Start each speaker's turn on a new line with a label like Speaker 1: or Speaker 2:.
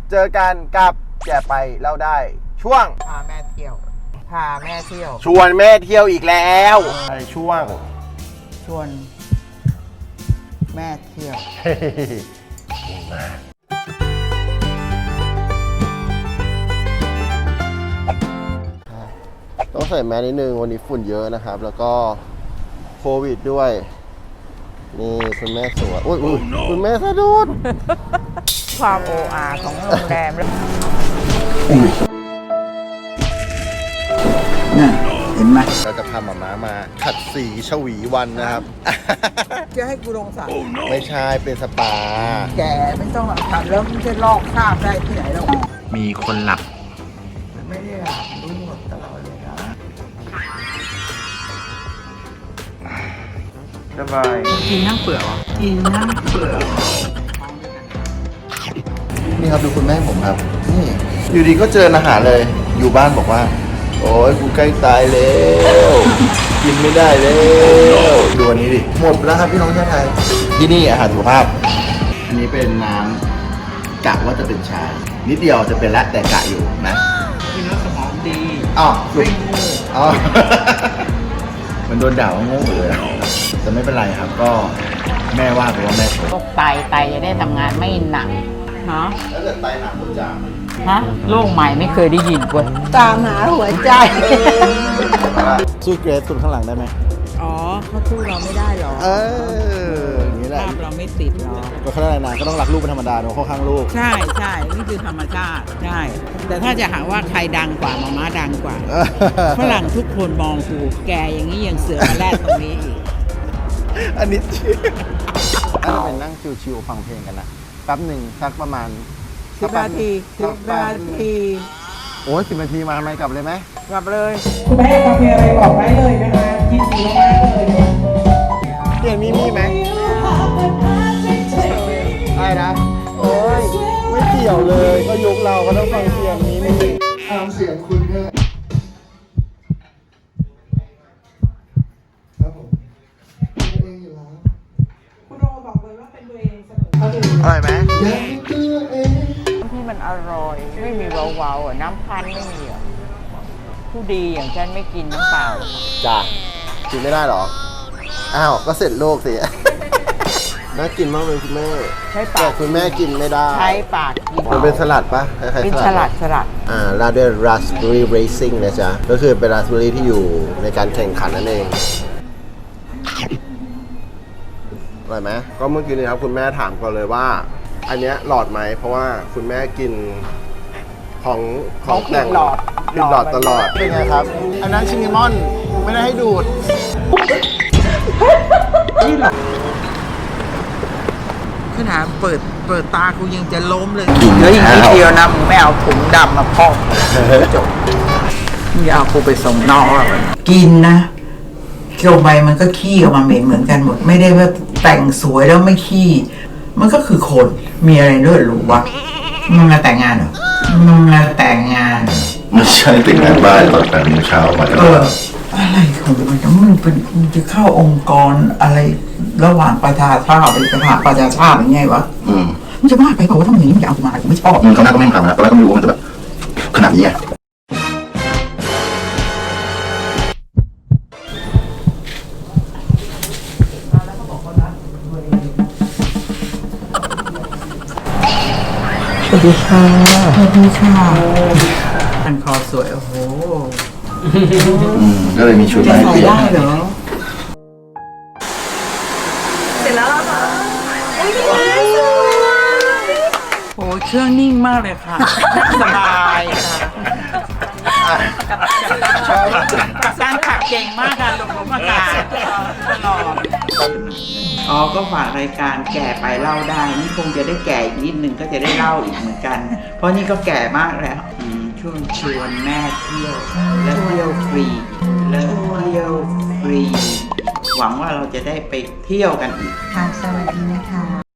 Speaker 1: เจอกันกับแก่ไปเล่าได้ช่วง
Speaker 2: พาแม่เที่ยว
Speaker 1: ชวนแม่เที่ยวอีกแล้วในช่วง
Speaker 2: ชวนแม่เที่ยว
Speaker 1: ต้องใส่แมสนิดนึงวันนี้ฝุ่นเยอะนะครับ แล้วก็โควิดด้วยนี่คุณแม่สวยคุณแม่สะดุด
Speaker 2: ความโออาของโรงแรมแล้วน่ะเห็นไหม
Speaker 1: เราจะพาหม่ามาขัดสีชวีวันนะครับ
Speaker 2: จะให้กูลงสระ
Speaker 1: ไม่ใช่เป็นสปา
Speaker 2: แกไม่ต้องขัดแล้วมันจะลอกคราบได้ที่ไหนแล้ว
Speaker 1: มีคนหลับ
Speaker 2: ไม่ได้หลับรู้หมดตลอดเลยนะสบายกินทั้งเปลือกกินทั้งเปลือก
Speaker 1: นี่ครับดูคุณแม่ผมครับนี่อยู่ดีก็เจออาหารเลยอยู่บ้านบอกว่าโอ้ยกูใกล้ตายแล้วกินไม่ได้แล้วดูอันนี้ดิหมดแล้วครับพี่น้องชาวไทยที่นี่อาหารสุขภาพอันนี้เป็นน้ำกะว่าจะเป็นชานิดเดียวจะเป็นละแต่กะอยู่นะ
Speaker 2: กินแล้วสมองดี
Speaker 1: อ๋อไม่โง่อ๋อมันโดนด่าว่าโง่เลยแต่ไม่เป็นไรครับก็แม่ว่าไปว่าแม่
Speaker 2: โรคไตจะได้ทำงานไม่หนักฮะ
Speaker 1: แล้วเกิดไตหนักคุณจ่า
Speaker 2: ฮะโรคใหม่ไม่เคยได้ยินกว่าตามหาหัวใจ
Speaker 1: สู้เกรซคนข้างหลังได้ไหม
Speaker 2: อ๋อเขาสู้เราไม่ได้หรอ
Speaker 1: อย่างนี้แหละ
Speaker 2: ภาพเราไม่ติดหรอก
Speaker 1: ก็ข้างในนานก็ต้องรักลูกเป็นธรรมดาเนอะเข้าข้างลูก
Speaker 2: ใช่นี่คือธรรมชาติใช่แต่ถ้าจะหาว่าใครดังกว่าม้าดังกว่าฝรั่งทุกคนมองกูแกอย่างนี้ยังเสือมาแลกตรงนี้อีก
Speaker 1: อันนี้ถ้าเราไปนั่งชิวๆฟังเพลงกันนะแป๊บหนึ่งสักประมาณ
Speaker 2: 10 นาที
Speaker 1: โอ้ย10 นาทีมาทำไมกลับเลยไหม
Speaker 2: กลับเลย
Speaker 3: คุณแม่กาแฟอะไรบอกได้เลยนะคะยินดีมากเลย
Speaker 1: เปลี่ยนมีไหมใช่นะโอ้ยไม่เกี่ยวเลยก็ยุคเราก็ต้องฟังเสียงนี้ตามเสียงคุณแค่ครับผมเองอยู่แล้ว
Speaker 3: คุณโรบอกเลยว่าเป็นตัวเองเสมอ
Speaker 1: อร่อยไหม
Speaker 2: ที่มันอร่อยไม่มีเบาๆน้ำพันไม่มีผู้ดีอย่างฉันไม่กินน้ำเปล่า
Speaker 1: จ้ะกินไม่ได้หรออ้าวก็เสร็จโลกสิน่ากินมากเลยคุณแม่
Speaker 2: ใช้ปาก
Speaker 1: คุณแม่กินไม่ได้
Speaker 2: ใช้ปากกิน
Speaker 1: มันเป็นสลัดปะ
Speaker 2: เป็นสลัด
Speaker 1: ราดด้วยราสเบอร์รี่เรซิ่งนะจ๊ะก็คือเป็นราสเบอร์รี่ที่อยู่ในการแข่งขันนั่นเองอร่อยไหมก็เมื่อกี้นี้ครับคุณแม่ถามก่อนเลยว่าอันเนี้ยหลอดไหมเพราะว่าคุณแม่กินของแต่ง
Speaker 2: หลอด
Speaker 1: ตลอดเป็นไงครับอันนั้นชินิมอนไม่ได้ให้ดูด
Speaker 2: นี่หรอขนาดเปิดตากูยังจะล้มเลยเฮ้ยนิดเดียวนะมึงไม่เอาถุงดำมาพอกจบมึงเอากูไปส่งนอกกินนะเคี่ยวไปมันก็ขี้ออกมาเหมือนกันหมดไม่ได้ว่าแต่งสวยแล้วไม่ขี้มันก็คือคนมีอะไรเลือดหรูวะมึงมาแต่งงานเหรอมึงมาแต่งงาน
Speaker 1: ไม่ใช่แต่งงานบ้านตอน8 โมงเช้ามาแล้ว
Speaker 2: อะไรของมันมึงจะเข้าองค์กรอะไรระหว่างประชาชาติไปหาประชาชาติยังไงวะมึงจะบ้าไปเปล่าว่าถ้ามึงอย่างนี้มึงจะเอากูมากูไม่ชอบ
Speaker 1: เขาหน้าก็ไม่ทำนะตอนแรกก็ไม่รู้ว่ามันจะแบบขนาดนี้ไง
Speaker 2: สวัสดีค่ะอันคอสวยโอ้โห
Speaker 1: ก็เลยมีชุด
Speaker 2: ใส่ได้เหรอ
Speaker 3: เสร็จแล้วเหรอ
Speaker 2: โอ้เครื่องนิ่งมากเลยค่ะสบายค่ะสร้างขับเก่งมากค่ะลงอากาศตลอดก็ฝากรายการแก่ไปเล่าได้นี่คงจะได้แก่อีกนิดนึงก็จะได้เล่าอีกเหมือนกันเพราะนี่ก็แก่มากแล้วช่วงชวนแม่เที่ยวและเที่ยวฟรีหวังว่าเราจะได้ไปเที่ยวกันอีก
Speaker 4: ค่ะสวัสดีนะคะ